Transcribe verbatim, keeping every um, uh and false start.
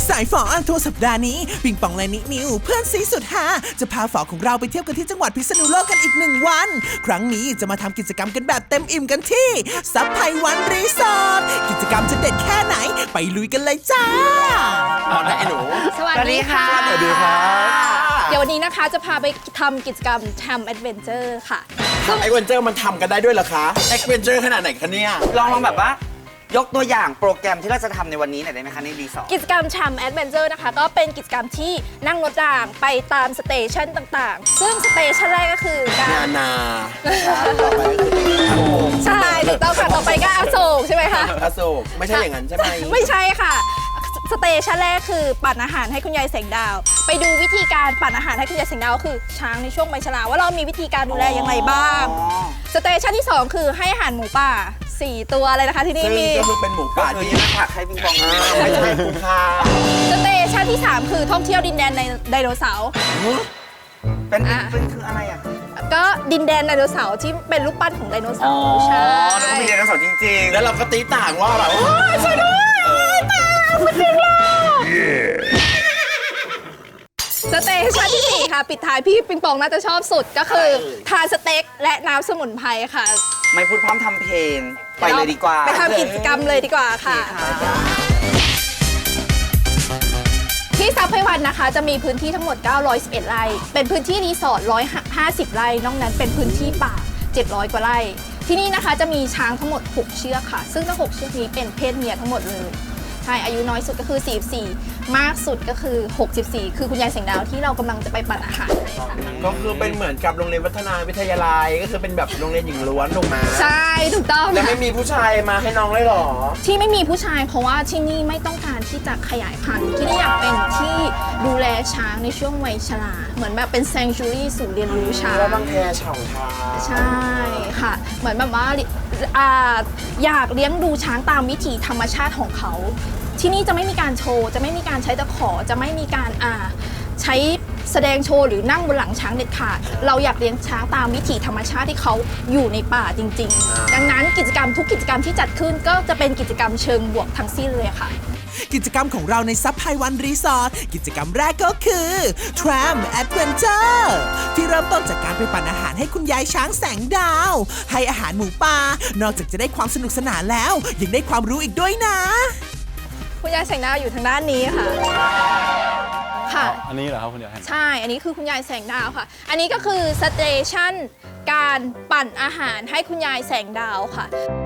สายฝออันทัวร์สัปดาห์นี้ปิงปองและนินิวเพื่อนซีสุดฮาจะพาฝอของเราไปเที่ยวกันที่จังหวัดพิษณุโลกกันอีกหนึ่งวันครั้งนี้จะมาทำกิจกรรมกันแบบเต็มอิ่มกันที่ซับไพวันรีสอร์ทกิจกรรมจะเด็ดแค่ไหนไปลุยกันเลยจ้าเอาได้ไอ้หนูสวัสดีค่ะสวัสดีครับเดี๋ยววันนี้นะคะจะพาไปทำกิจกรรมทำแอดเวนเจอร์ค่ะไอเวนเจอร์มันทำกันได้ด้วยเหรอคะไอเวนเจอร์ขนาดไหนคะเนี่ยลองลองแบบว่ายกตัวอย่างโปรแกรมที่เราจะทำในวันนี้หน่อยได้ไหมคะในรีสอร์ทกิจกรรมทำแอดเวนเจอร์นะคะก็เป็นกิจกรรมที่นั่งรถรางไปตามสเตชันต่างๆซึ่งสเตชันแรกก็คือการนานาใช่ถูกต้องค่ะต่อไปก็อโศกใช่ไหมคะอโศกไม่ใช่อย่างนั้นใช่ไหมไม่ใช่ค่ะสเตชันแรกคือปั่นอาหารให้คุณยายแสงดาวไปดูวิธีการปั่นอาหารให้คุณยายแสงดาวก็คือช้างในช่วงใบชราว่าเรามีวิธีการดูแลยังไงบ้างสเตชันที่สองคือให้อาหารหมูป่าสี่ตัวเลยนะคะที่นี่มีก็คือเป็นหมูป่าที่ผักให้ปิงปองไม่ใช่คุณค่าสเตชันที่สามคือท่องเที่ยวดินแดนในไดโนเสาร์เป็นเป็นคืออะไรอ่ะก็ดินแดนไดโนเสาร์ที่เป็นรูปปั้นของไดโนเสาร์ใช่แล้วก็มีไดโนเสาร์จริงๆแล้วเราก็ตีต่างว่าแบบช่วยด้วยตามันดึงเราสเตชันที่สี่ค่ะปิดท้ายพี่ปิงปองน่าจะชอบสุดก็คือทานสเต็กและน้ำสมุนไพรค่ะไม่พูดพร้อมทำเพลงไปเลยดีกว่าไปทำกิจกรรมเลยดีกว่าค่ะที่ซับไพวันนะคะจะมีพื้นที่ทั้งหมดเก้าร้อยสิบเอ็ดไร่เป็นพื้นที่รีสอร์ทหนึ่งร้อยห้าสิบไร่นอกนั้นเป็นพื้นที่ป่าเจ็ดร้อยกว่าไร่ที่นี่นะคะจะมีช้างทั้งหมดหกเชือกค่ะซึ่งทั้งหกเชือกนี้เป็นเพศเมียทั้งหมดเลยใช่อายุน้อยสุดก็คือสี่สิบสี่มากสุดก็คือหกสิบสี่คือคุณยายแสงดาวที่เรากำลังจะไปปั่นอาหารก็คือเป็นเหมือนกับโรงเรียนวัฒนาวิทยาลัยก็คือเป็นแบบโรงเรียนหญิงล้วนถูกไหมใช่ถูกต้องแล้วไม่มีผู้ชายมาให้น้องเลยหรอที่ไม่มีผู้ชายเพราะว่าที่นี่ไม่ต้องการที่จะขยายพันธุ์ที่นี่อยากเป็นที่ดูแลช้างในช่วงวัยชราเหมือนแบบเป็นแซงชูรี่ศูนย์เรียนรู้ช้างแล้วบางแคเฉาทาใช่ค่ะเหมือนแบบว่าอยากเลี้ยงดูช้างตามวิถีธรรมชาติของเขาที่นี่จะไม่มีการโชว์จะไม่มีการใช้ตะขอจะไม่มีการอ่าใช้แสดงโชว์หรือนั่งบนหลังช้างเด็ดขาดเราอยากเลี้ยงช้างตามวิถีธรรมชาติที่เขาอยู่ในป่าจริงๆดังนั้นกิจกรรมทุกกิจกรรมที่จัดขึ้นก็จะเป็นกิจกรรมเชิงบวกทั้งสิ้นเลยค่ะกิจกรรมของเราในซับไพวันรีสอร์ทกิจกรรมแรกก็คือ Tram Adventure ที่เริ่มต้นจากการไปปั่นอาหารให้คุณยายช้างแสงดาวให้อาหารหมูป่านอกจากจะได้ความสนุกสนานแล้วยังได้ความรู้อีกด้วยนะคุณยายแสงดาวอยู่ทางด้านนี้ค่ะค่ะอันนี้เหรอครับคุณยายใช่อันนี้คือคุณยายแสงดาวค่ะอันนี้ก็คือสเตชันการปั่นอาหารให้คุณยายแสงดาวค่ะ